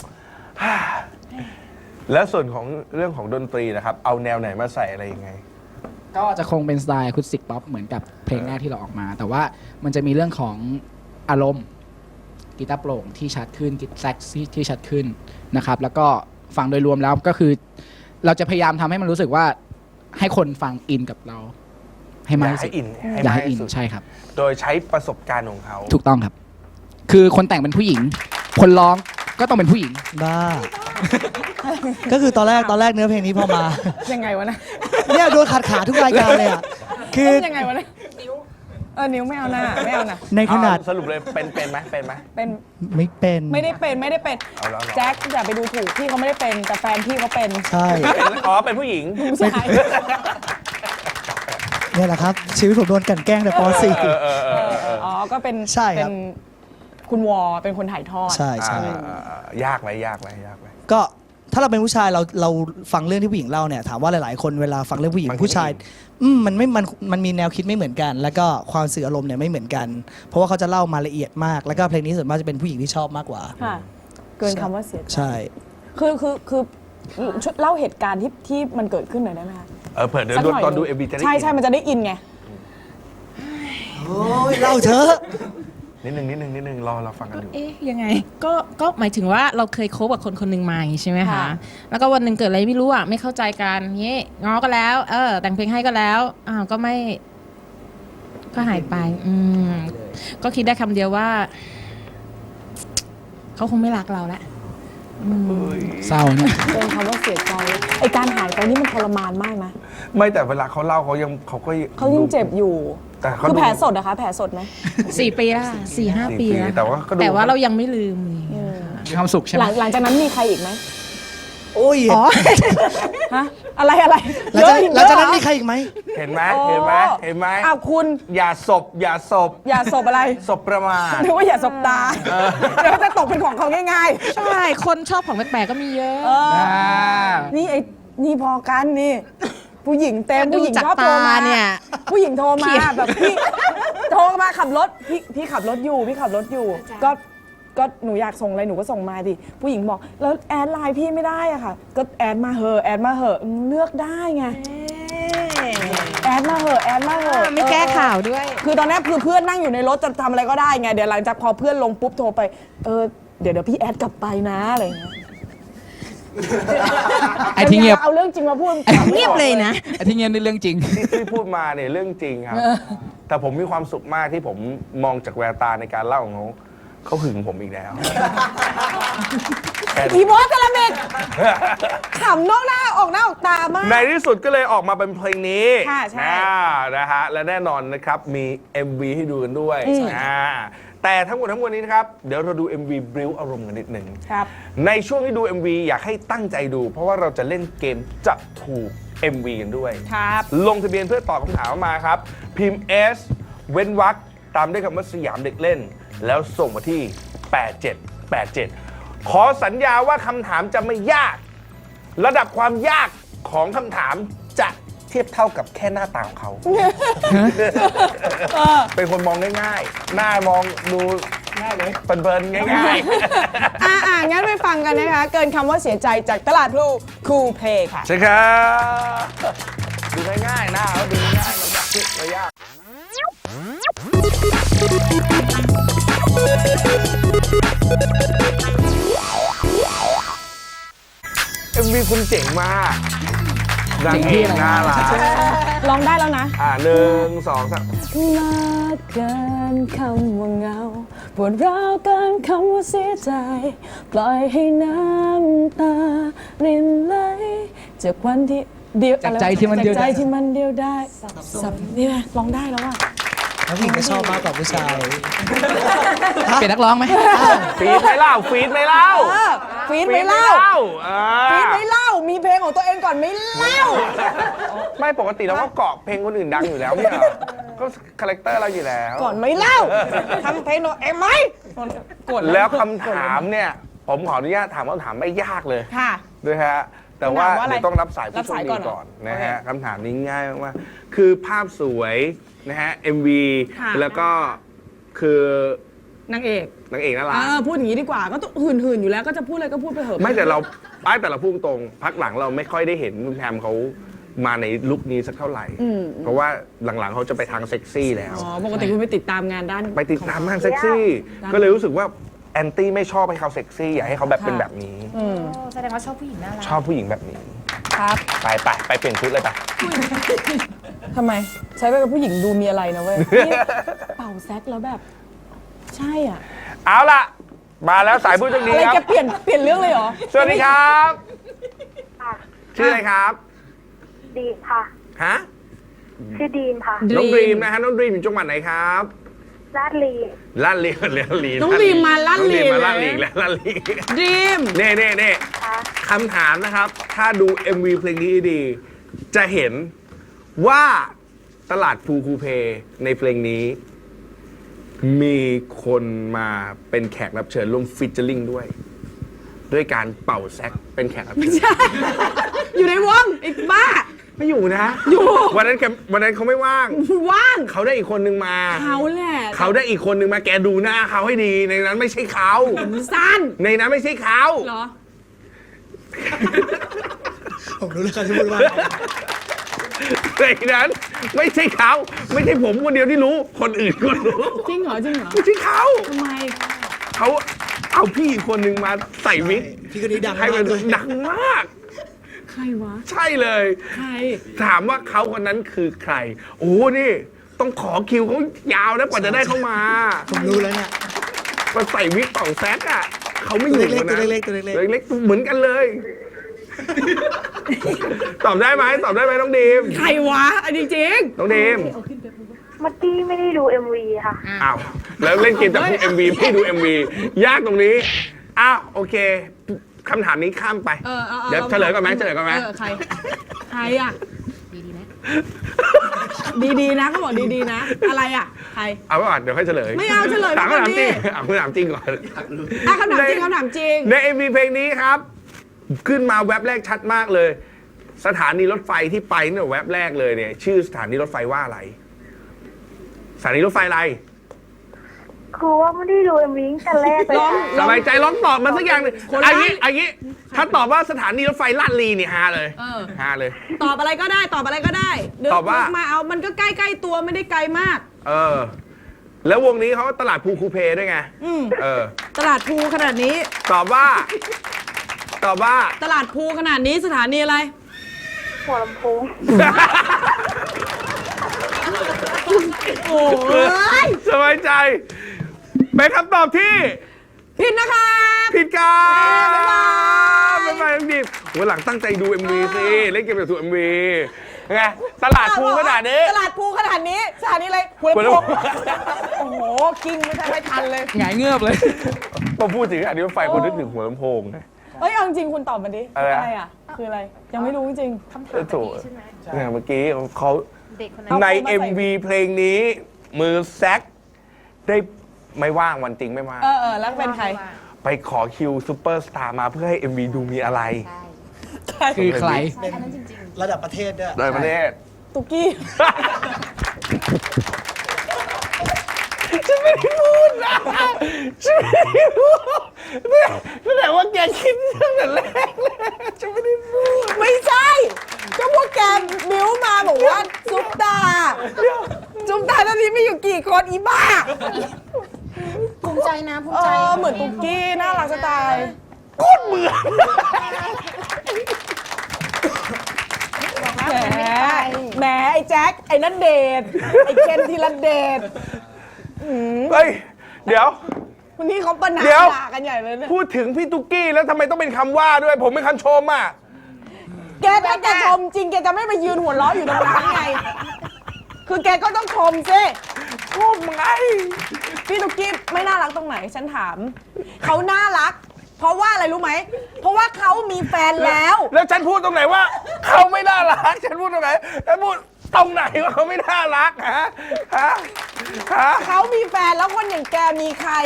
Speaker 8: แล้วส่วนของเรื่องของดนตรีนะครับ เอาแนวไหนมาใส่อะไรยังไง
Speaker 7: ก็จะคงเป็นสไตล์อะคูสติกป๊อปเหมือนกับเพลงแรกที่เราออกมา แต่ว่ามันจะมีเรื่องของอารมณ์กีตาร์โปร่งที่ชัดขึ้นกีตาร์แซกซี่ที่ชัดขึ้นนะครับ แล้วก็ฟังโดยรวมแล้วก็คือ เราจะพยายามทำให้มันรู้สึกว่าให้คนฟังอินกับเรา ให้มากที่สุด
Speaker 8: อยากให้อินให้
Speaker 7: อยาก
Speaker 8: มาก
Speaker 7: ให้
Speaker 8: ที่
Speaker 7: อิน
Speaker 8: สุด
Speaker 7: ใช่ครับ
Speaker 8: โดยใช้ประสบการณ์ของเขา
Speaker 7: ถูกต้องครับ คือคนแต่งเป็นผู้หญิง คนร้องก็ต้องเป็นผู้หญิง
Speaker 9: บ้า ก็คือตอนแรกตอนแรกเนื้อเพลงนี้พอมา
Speaker 6: ยังไงวะนะ
Speaker 9: เนี่ยโดนขัดขาทุกรายการเลยอ่ะ คือ
Speaker 6: ยังไงวะนะเออนิ้วไม่เอาหน้าไม่เอานะ
Speaker 9: ในขนาด
Speaker 8: เอาสรุปเลยเป็นเป็นไหมเป็นไหม
Speaker 6: เป็น
Speaker 9: ไม่เป็น
Speaker 6: ไม่ได้เป็นไม่ได้เป็น
Speaker 8: เอาแล้วเหรอ
Speaker 6: แจ็คอย่าไปดูถูกพี่เขาไม่ได้เป็นแต่แฟนพี่เขาเป็น
Speaker 9: ใช่
Speaker 8: เป็นอ๋อเป็นผู้หญิง
Speaker 6: ผู้ชาย
Speaker 9: เนี่ยแหละครับ ชีวิตผมโดนกลั่นแกล้งแต่ป .สี่
Speaker 8: เออเออเออเออ
Speaker 6: อ๋อก็เป็น
Speaker 9: ใช่ครับ
Speaker 6: เป็นคุณวอเป็นคนถ่ายทอด
Speaker 9: ใช่ใช่
Speaker 8: อ่าอ่าอ่ายากไหมยากไหมยากไหม
Speaker 9: ก็ถ้าเราเป็นผู้ชายเราเราฟังเรื่องที่ผู้หญิงเล่าเนี่ยถามว่าหลาย ๆ คนเวลาฟังเรื่องผู้หญิง
Speaker 8: บางที
Speaker 9: ผู้ชายอืมมันไม่มันมันมีแนวคิดไม่เหมือนกัน แล้วก็ความสื่ออารมณ์เนี่ยไม่เหมือนกัน เพราะว่าเขาจะเล่ามาละเอียดมาก แล้วก็เพลงนี้ส่วนมากจะเป็นผู้หญิงที่ชอบมากกว่า
Speaker 6: ค่ะ เกินคำว่าเสียใจ
Speaker 9: ใช่
Speaker 6: คือคือคือช่วยเล่าเหตุการณ์ที่ที่มันเกิดขึ้นหน่อยได้ไหมคะ
Speaker 8: เออเผื่อเดี๋ยว
Speaker 6: สักหน่อย
Speaker 8: ตอนดูเอ็มบีจะได้
Speaker 6: ใช่ใช่
Speaker 8: อิน
Speaker 6: มันจะได้อินไง
Speaker 9: โอ้ยเล่าเถอะ
Speaker 8: นิดนึงนิดนึงนิดนึงรอเราฟังกันอยู่
Speaker 10: เอ๊ะยังไงก็ก็หมายถึงว่าเราเคยคบกับคนคนหนึ่งมาอย่างงี้ใช่ไหมคะ
Speaker 6: ค่ะ
Speaker 10: แล้วก็วันหนึ่งเกิดอะไรไม่รู้อ่ะไม่เข้าใจกันเงี้ยง้อก็แล้ว เออ แต่งเพลงให้ก็แล้วอ้าวก็ไม่ ก็หายไป อืมก็คิดได้คำเดียวว่าเขาคงไม่รักเราแล้ว
Speaker 7: เศร้าเนี่ย
Speaker 6: เกินคำว่าเสียใจไอการหายไปนี่มันทรมานมากนะ
Speaker 8: ไม่แต่เวลาเขาเล่าเขายังเขาก็
Speaker 6: เขายิ่งเจ็บอยู่
Speaker 8: แต่เขา
Speaker 6: คือ
Speaker 8: ดู
Speaker 6: แผลสดนะคะแผลสดไหม
Speaker 10: สี่ปีแล้วค่ะสี่ห้า
Speaker 8: สี่
Speaker 10: ปี
Speaker 8: ปี
Speaker 10: แล้ว
Speaker 8: แต่ว่าก็ดู
Speaker 10: แต่ว่าเรายังไม่ลืมอย่างเงี้ย
Speaker 7: มีความสุขใช่ไห
Speaker 6: ห
Speaker 7: ม
Speaker 6: ลังหลังจากนั้นมีใครอีกไหม
Speaker 9: โอ้ย
Speaker 6: ฮะอะไรอะไร
Speaker 9: หลังจาก
Speaker 6: เยอะ
Speaker 9: หลังจากนั้น
Speaker 6: เย
Speaker 9: มี
Speaker 6: อะ
Speaker 9: ใครอีกไหม
Speaker 8: เห็นไหม
Speaker 6: โอ้
Speaker 8: เห็นไหมเห็นไหม
Speaker 6: อ้าวคุณ
Speaker 8: อย่าศพอย่าศพ
Speaker 6: อย่าสบอะไร
Speaker 8: ศพประมาท
Speaker 6: นึกว่าอย่าสบตาเดี๋ยวจะตกเป็นของเขาง่าย
Speaker 10: ใช่คนชอบของแปลกๆก็มีเยอะ
Speaker 6: ๆเออ
Speaker 7: อ่า
Speaker 6: นี่ไอ้นี่พอกันนี่ ผู้หญิงเต็ม
Speaker 10: ดู
Speaker 6: ผู้หญิง
Speaker 10: จาก
Speaker 6: ชอบโทรมา
Speaker 10: ตาเนี่ย
Speaker 6: ผู้หญิงโทรมา
Speaker 10: เขียน
Speaker 6: แบบพี่โทรมาขับรถพี่พี่ขับรถอยู่พี่ขับรถอยู่ ก็ก็หนูอยากส่งอะไรหนูก็ส่งมาดิผู้หญิงบอกแล้วแอดไลน์พี่ไม่ได้อะค่ะ ก็แอดมาเหอะแอดมาเหอะเลือกได้ไงแอดมาเหอะแอดมาเหอะ
Speaker 10: ไม่แก้ข่าวด้วย
Speaker 6: คือตอนนี้คือเพื่อนนั่งอยู่ในรถจะทำอะไรก็ได้ไงเดี๋ยวหลังจากพอเพื่อนลงปุ๊บโทรไปเออเดี๋ยวเดี๋ยวพี่แอดกลับไปนะอะไรอย่างเงี้ย
Speaker 7: ไอ้ที่เงียบ
Speaker 6: เอาเรื่องจริงมาพูด
Speaker 10: เงียบเลยนะ
Speaker 7: ไอ้ที่เงียบนี่เรื่องจริง
Speaker 8: ที่ที่พูดมาเนี่ยเรื่องจริงครับ แต่ผมมีความสุขมากที่ผมมองจากแววตาในการเล่าของเขาเขาหึงผมอีกแล้วแค่นี้
Speaker 6: อีบอสกะละเม็ดขำนอกหน้าออกหน้าออกตามาก
Speaker 8: ในที่สุดก็เลยออกมาเป็นเพลงนี้
Speaker 6: ค่ะใช่
Speaker 8: อ่านะฮะและแน่นอนนะครับมี เอ็ม วี ให้ดูกันด้วย
Speaker 6: อืม
Speaker 8: อ่าแต่ทั้งหมดทั้งมวลนี้นะครับ เดี๋ยวเราดู เอ็ม วี บริ้วอารมณ์กันนิดหนึ่ง
Speaker 6: ครับ
Speaker 8: ในช่วงที่ดู เอ็ม วี อยากให้ตั้งใจดู เพราะว่าเราจะเล่นเกมจะถูก เอ็ม วี กันด้วย
Speaker 6: ครับ
Speaker 8: ลงทะเบียนเพื่อตอบคำถามมาครับ พิมพ์ S เว้นวรรคตามด้วยคำว่าสยามเด็กเล่น แล้วส่งมาที่ แปดเจ็ดแปดเจ็ด ขอสัญญาว่าคำถามจะไม่ยาก ระดับความยากของคำถามจะเทียบเท่ากับแค่หน้าตาของเขา เป็นคนมองง่ายๆ หน้ามองดูง่ายเลยเพลินๆง่ายๆ
Speaker 6: อ่าอ่างั้นไปฟังกันนะคะ เกินคำว่าเสียใจจากตลาดพลูคูเพย์ค่ะ
Speaker 8: ใช่ครับดูง่ายๆหน้าเขาดูง่ายๆมันยากไม่ยากเอ็มวีคุณเจ๋งมากนางเอกน่ารัก
Speaker 6: ร้องได้แล้วนะ
Speaker 8: อ่าหนึ่งสองสาม
Speaker 6: มาเกินคำว่าเหงาปวดร้าวเกินคำว่าเสียใจ ปล่อยให้น้ำตารินไหลจากวันที่เดียว
Speaker 7: จากใจที่มันเดียว
Speaker 6: จากใจ
Speaker 7: ได้
Speaker 6: ที่มันเดียวได้สับนี่ไงร้องได้แล้วอ่ะ
Speaker 8: พ
Speaker 9: แล้วผู้หญิงก็ชอบมากกว่าผู้ชาย
Speaker 7: เปลี่ยนนักร้องไหม
Speaker 8: ฟีดไม่เล่าฟีดไม่เล่า
Speaker 6: เออฟีดไม่เล่า
Speaker 8: อ่า
Speaker 6: ฟีดไม่เล่ามีเพลงของตัวเองก่อนไม่เล่า
Speaker 8: ไม่ปกติเราก็เกาะเพลงคนอื่นดังอยู่แล้วเนี่ยก็คาแรคเตอร์เราอยู่แล้ว
Speaker 6: ก่อนไม่เล่าทำเพลงตัวเองไหมกด
Speaker 8: แล้วคำถามเนี่ย ผมขออนุญาตถามคำถามไม่ยากเลย
Speaker 6: ค่ะ
Speaker 8: ด้วยฮะแต่ว่า
Speaker 6: คำถามว่าอะไร
Speaker 8: เดี๋ยวต้องรับสาย
Speaker 6: รั
Speaker 8: ผู้
Speaker 6: บ
Speaker 8: โชค
Speaker 6: สาย
Speaker 8: ดี
Speaker 6: ก่อนเหรอ
Speaker 8: ก่อนนะฮะ
Speaker 6: โอเค
Speaker 8: คำถามนี้ง่ายมากๆคือภาพสวยนะฮะ เอ็ม วี
Speaker 6: ค่ะ
Speaker 8: แล้วก็คือน
Speaker 6: างเอก
Speaker 8: นางเอกน่ารั
Speaker 6: เอก อพูดอย่างนี้ดีกว่าก็ต้องหื่นหื่นๆอยู่แล้วก็จะพูดอะไรก็พูดไปเถอะ
Speaker 8: ไม่แต่เราป้ายแต่เราพูดตรงพักหลังเราไม่ค่อยได้เห็นคุณแพมเขามาในลุคนี้สักเท่าไหร่
Speaker 6: อืม
Speaker 8: เพราะว่าหลังๆเขาจะไปทางเซ็กซี่แล้ว
Speaker 6: อ๋อปกติคุณไปติดตามงานด้าน
Speaker 8: ไปติดตามทางเซ็กซี่
Speaker 6: ด้าน
Speaker 8: ก็เลยรู้สึกว่าแอนตี้ไม่ชอบให้เขาเซ็กซี่อยากให้เขาแบบเป็น
Speaker 6: ค่ะ
Speaker 8: แบบนี้
Speaker 6: อืม
Speaker 10: แสดงว่าชอบผู้หญิงน่ารัก
Speaker 8: ชอบผู้หญิงแบบนี้
Speaker 6: ครับ
Speaker 8: ไปไปไปเปลี่ยนชุดเลยไป
Speaker 6: ทำไม ใช้ไปกับผู้หญิงดูมีอะไรนะเว้ยนี่เป่าแซกแล้วแบบ ใช่อ่ะ
Speaker 8: เอาล่ะ มาแล้วสายผู้โชคดี
Speaker 6: อะไร
Speaker 8: ค
Speaker 6: แก
Speaker 8: รับ
Speaker 6: เปลี่ยนเปลี่ยนเรื่องเลยเหรอ
Speaker 8: สวัสดีครับ ชื่ออะไรครับ
Speaker 11: ดีมค่ะ
Speaker 8: ฮะ
Speaker 11: ชื่อดีมค่ะ
Speaker 8: น้องดรีมนะฮะน้องดรีมอยู่จังหวัดไหนครับ
Speaker 11: ลาดลี
Speaker 8: ลาดลีลาดลี
Speaker 6: น้องดรีมมาลาดลี
Speaker 8: น้องดรีมมาลาด
Speaker 6: เลย
Speaker 8: ลีแล้วลาดลี
Speaker 6: ดีม
Speaker 8: เน่เน่เน่
Speaker 11: ค่ะ
Speaker 8: คำถามนะครับ ถ้าดู เอ็ม วี เพลงนี้ดี จะเห็นว่าตลาดฟูคูเพในเพลงนี้ มีคนมาเป็นแขกรับเชิญร่วมฟิชเจอริงด้วย ด้วยการเป่าแซกเป็นแขกรับเชิญ
Speaker 6: อยู่ในวงไอ้บ้า
Speaker 8: ไม่อยู่นะ
Speaker 6: อยู่
Speaker 8: วันนั้นแกวันนั้นเขาไม่ว่าง
Speaker 6: ว่าง
Speaker 8: เขาได้อีกคนนึงมา
Speaker 6: เขาแหละ
Speaker 8: เขาได้อีกคนนึงมาแกดูหน้าเขาให้ดี ในนั้นไม่ใช่เขา
Speaker 6: สั้น
Speaker 8: ในนั้นไม่ใช่เขา
Speaker 6: เหรอ
Speaker 9: ผมรู้เลยเขาจะพูดว่า
Speaker 8: ในนั้นไม่ใช่เขาไม่ใช่ผมคนเดียวที่รู้ คนอื่นก็รู้
Speaker 6: จริงเหรอจริงเหรอ
Speaker 8: ไม่ใช่เขา
Speaker 6: ทำไม
Speaker 8: เขาเอาพี่อีกคนนึงมาใส่วิก
Speaker 9: พี่คนนี้ดัง
Speaker 8: ให้
Speaker 9: มา
Speaker 8: มั
Speaker 9: ก
Speaker 8: น
Speaker 9: ด้วย
Speaker 8: ดังมาก
Speaker 6: ใครวะ
Speaker 8: ใช่เลย
Speaker 6: ใคร
Speaker 8: ถามว่าเขาคนนั้นคือใคร โอ้นี่ ต้องขอคิวเขายาวนะกว่าจะได้เข้ามา
Speaker 9: ผมรู้แล้วเนี่ย
Speaker 8: มาใส่วิกต่องแซกอ่ะเขาไม่อยู่
Speaker 9: ตัว
Speaker 8: นะ
Speaker 9: เล็กๆตัวเล็กๆ
Speaker 8: ตัวเล็กๆเหมือนกันเลย ตอบได้ไหมตอบได้ไหมน้องดีม
Speaker 6: ใครวะอันจริง
Speaker 8: น้องดีม
Speaker 11: มัตตี้ไม่ได้ดู เอ็ม วี ค่ะ
Speaker 8: อ้าวแล้วเล่นเกมจากพวก เอ็ม วี ไม่ดู เอ็ม วี ยากตรงนี้อ้าวโอเคคำถามนี้ข้ามไป
Speaker 6: ๆเออเอาอา
Speaker 8: เดี๋ยว
Speaker 6: อา
Speaker 8: เฉลยก่อนไหมเฉลยก่อนไหม
Speaker 6: เออใคร ใครอ่ะ ดีๆนะเขาบอกดีๆนะ อะไรอ่ะ ใคร
Speaker 8: เอาไว้ก่อนเดี๋ยวค่อยเฉลย
Speaker 6: ไม่เอาเฉลย
Speaker 8: ถาม
Speaker 6: ก่อน
Speaker 8: คำถาม
Speaker 6: ดิ
Speaker 8: จริงเอาคำถามจริงก่อน
Speaker 6: อ่ะคำถามจริงคำถามจริง
Speaker 8: ใน เอ็ม วี เพลงนี้ครับ ขึ้นมาแว็บแรกชัดมากเลย สถานีรถไฟที่ไปเนี่ยแว็บแรกเลยเนี่ย ชื่อสถานีรถไฟว่าอะไร สถานีรถไฟอะไร
Speaker 11: คือว่าไม่ได้ดู เอ็ม วี ตั้งแต่แรกเลยค่ะ
Speaker 8: สบายใจลองตอบมาสักอย่างหนึ่งอันนี้อันนี้ถ้าตอบว่าสถานีรถไฟลาดลีนี่ฮาเลย
Speaker 6: เออ
Speaker 8: ฮาเลย
Speaker 6: ตอบอะไรก็ได้ ตอบอะไรก็ได้เดี๋ย
Speaker 8: ตอบว่า
Speaker 6: มาเอา มันก็ใกล้ๆตัวไม่ได้ไกลมาก
Speaker 8: เออ แล้ววงนี้เขาตลาดภูคูเพด้วยไง
Speaker 6: อืม
Speaker 8: เออ
Speaker 6: ตลาดภูขนาดนี้
Speaker 8: ตอบว่า ตอบว่า
Speaker 6: ตลาดภูขนาดนี้สถานีอะไร
Speaker 11: หัวลำโพง
Speaker 6: โอ้ย
Speaker 8: สบายใจ เป็นคำตอบที่
Speaker 6: ผิดนะคะ
Speaker 8: ผิดครับ
Speaker 6: บ๊ายบาย
Speaker 8: บ๊ายบายน้องดิมวันหลังตั้งใจดู เอ็ม วี สิ เล่นเกมแบบดู เอ็ม วี ไง ตลาดภูขนาดนี้
Speaker 6: ตลาดภูขนาดนี้สถานีอะไรหัวลำโพงโอ้โห กิ้งไม่ทันไม่ทันเลย
Speaker 7: หงายเงือบเลย
Speaker 8: พอพูดถึงอันนี้รถไฟคนนึกถึงหัวลำโพงไง
Speaker 6: เฮ้ย เอาจริงๆคุณตอบมาดิ
Speaker 8: อะไรนะ
Speaker 6: อะไรอ่ะ คืออะไร ยังไม่รู้จริง
Speaker 8: เออถูกเนี่ยเมื่อกี้เขา
Speaker 10: เด็กคนนั้น
Speaker 8: ใน
Speaker 6: เอามาใส่
Speaker 8: เอ็ม วี เพลงนี้ มือแซกได้ไม่ว่างวันจริงไม่ว่าง
Speaker 6: เออเออแล้วเป็นใคร
Speaker 8: ไปขอคิวซูเปอร์สตาร์มาเพื่อให้ เอ็ม วี ดูมีอะไร
Speaker 7: คือใคร
Speaker 9: เป็นระดับประเทศด้วย
Speaker 8: โดยประเทศ
Speaker 6: ตุกกี้
Speaker 8: ฉันไม่ได้พูดนะฉันไม่ได้พูดเนี่ยนั่นแหละว่าแกคิดตั้งแต่แรกเลยฉันไม่ได้พูด
Speaker 6: ไม่ใช่ ก็พวกแกบิ้วมาบอกว่าซุปตาซุปตาตอนนี้ไม่อยู่กี่คนอีบ้า
Speaker 10: ภูมิใจนะภูมิ
Speaker 6: เอ
Speaker 10: ใจ
Speaker 6: อ เหมือนตุกกี้ น่ารักจะตาย
Speaker 8: โคตรเหมือน
Speaker 6: แหมแหมไอ้แจ็ค ไอ้นัดเดทไอ้เคนธีรเดช
Speaker 8: เฮ้ย เดี๋ยว
Speaker 6: วันนี้เขาประนาม
Speaker 8: เดี๋ยว
Speaker 6: ด่ากันใหญ่เลยเนี่ย
Speaker 8: พูดถึงพี่ตุ๊กกี้แล้วทำไมต้องเป็นคำว่าด้วย ผมเป็นคำชมอ่ะ
Speaker 6: แกถ้าแกชมจริงแกจะไม่ไปยืนหัวเราะอยู่ตรงนั้นไง คือแกก็ต้องชมสิ
Speaker 8: ชอบไง
Speaker 6: พี่ตุ๊กกี้ไม่น่ารักตรงไหนฉันถาม เขาน่ารัก เพราะว่าอะไรรู้ไหม เพราะว่าเขามีแฟนแล้ว
Speaker 8: แล้วฉันพูดตรงไหนว่าเขาไม่น่ารัก ฉันพูดตรงไหนฉันพูดตรงไหนว่าเขาไม่น่ารักฮะฮะฮะ
Speaker 6: เขามีแฟนแล้วคนอย่างแกมีใคร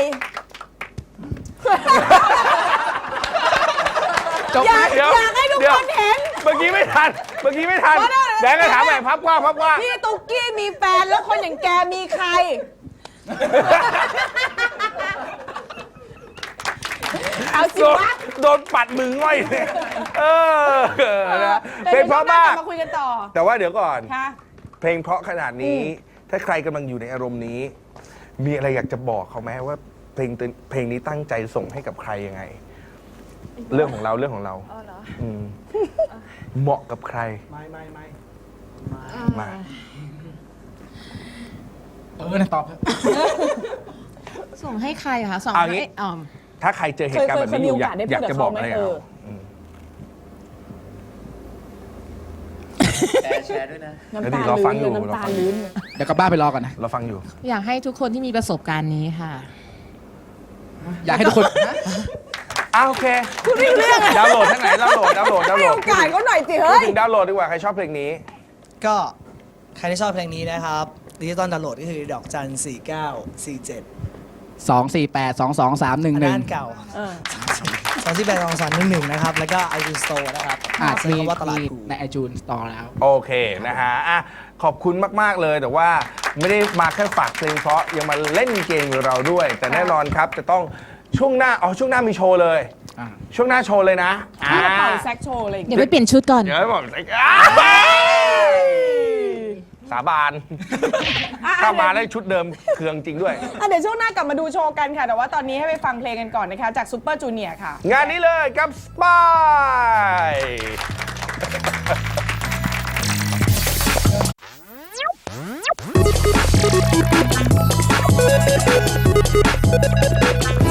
Speaker 6: อยาก
Speaker 8: เดี๋ว
Speaker 6: อยากให้ทุก
Speaker 8: ดี๋ยว
Speaker 6: คนเห็น
Speaker 8: เมื่อกี้ไม่ทัน เมื่อกี้ไม่ทัน
Speaker 6: มาได้เลย
Speaker 8: แดงก็ถามใหม่พับกว้างพับกว้าง
Speaker 6: พี่ตุ๊กกี้มีแฟนแล้วคนอย่างแกมีใคร เอาสิ
Speaker 8: โดน
Speaker 6: วะ
Speaker 8: โดนปัดมือง่อยเลยเออนะ
Speaker 6: แต่
Speaker 8: เพลง
Speaker 6: เดี๋ยว
Speaker 8: เพราะ
Speaker 6: ช่วงหน้
Speaker 8: มาก
Speaker 6: ลับมาคุยกันต่อ
Speaker 8: แต่ว่าเดี๋ยวก่อน
Speaker 6: ค่ะ
Speaker 8: เพลงเพราะขนาดนี้ ถ้าใครกำลังอยู่ในอารมณ์นี้ มีอะไรอยากจะบอกเขาไหมว่าเพลงตัวเพลงนี้ตั้งใจส่งให้กับใครยังไง เรื่องของเราเรื่องของเราอืมเหมาะกับใคร
Speaker 9: ไม่ไม่ไม่
Speaker 8: มา
Speaker 7: เออนะตอบเถอะ
Speaker 10: ส่งให้ใครอะคะส่ง
Speaker 8: เอา
Speaker 10: ให้
Speaker 8: งี้
Speaker 10: อ๋อ
Speaker 8: ถ้าใครเจอเหตุการณ์แบบนี้อยู่อยาก
Speaker 6: เคยเคยมีโอกาสได้พูด
Speaker 8: อยากจะบอกอะไร
Speaker 6: กับ
Speaker 8: กับ
Speaker 6: เขา
Speaker 8: เขา
Speaker 6: ไหม
Speaker 8: อืม
Speaker 5: แชร์ด้วยนะ
Speaker 6: น้ำ
Speaker 8: แล้ว
Speaker 6: ตา
Speaker 8: ดิเราฟังอยู่
Speaker 6: ลื้น
Speaker 8: เรา
Speaker 6: น้ำตา
Speaker 8: ฟัง
Speaker 6: ลื้น
Speaker 7: เดี๋ยวกลับบ้านไปรอก่อนนะ
Speaker 8: เราฟังอยู่
Speaker 10: อยากให้ทุกคนที่มีประสบการณ์นี้ค่ะ
Speaker 7: อยากให้ทุกคน
Speaker 8: อ้าวโอเคดาวน์โหลดที่ไหนดาวน์โหลดดาวน์โหลดดาวน์
Speaker 6: ให้
Speaker 8: โหล
Speaker 6: โอ
Speaker 8: ด
Speaker 6: กาสเขาหน่อยสิ
Speaker 8: พู
Speaker 6: เฮ้
Speaker 8: ด
Speaker 6: ย
Speaker 8: ถึงดาวน์โหลดดีกว่าใครชอบเพลงนี้
Speaker 9: ก็ใครที่ชอบเพลงนี้นะครับดิจิตอลดาวน์โหลดก็คือดอกจันสี่เก้าสี่เจ็ด
Speaker 7: สอง สี่ แปด สอง สอง สาม หนึ่ง
Speaker 9: อัน
Speaker 7: หนึ่ง
Speaker 9: นั้นเก่า
Speaker 6: เออ
Speaker 9: สองที่แปดสองสองหนึ่งหนึ่งนะครับ แล้วก็ไอจูนสโตร์นะครับ
Speaker 7: อ่า
Speaker 9: เซิร์
Speaker 7: มี
Speaker 9: ชคำว่าตลาด
Speaker 7: มี
Speaker 9: ภู
Speaker 7: ในไอจูนสตอร์แล้ว
Speaker 8: โอเคนะฮะอ่ะขอบคุณมาก ๆ เลยแต่ว่าไม่ได้มาแค่ฝากเพลงเพราะยังมาเล่นเกมกับเราด้วย แต่แน่นอนครับจะต้องช่วงหน้าอ๋อช่วงหน้ามีโชว์เลย
Speaker 7: อ่า
Speaker 8: ช่วงหน้าโชว์เลยนะ
Speaker 6: พี่จะเป่า
Speaker 8: อ่า
Speaker 6: แซกโชว์อะไรอย่าง
Speaker 10: เดี๋ย
Speaker 6: เงี้
Speaker 10: วย ไปเปลี่ยนชุดก่อน
Speaker 8: เดี๋ยวให้บอกอ้าวสาบาน
Speaker 6: อ่ะ
Speaker 8: ถ้ามาได้ชุดเดิมเครืองจริงด้วย
Speaker 6: อ่ะเดี๋ยวช่วงหน้ากลับมาดูโชว์กันค่ะ แต่ว่าตอนนี้ให้ไปฟังเพลงกันก่อนนะคะ จากซูเปอร์จูเนียร์ค่ะ
Speaker 8: งานนี้เลยกับสปาย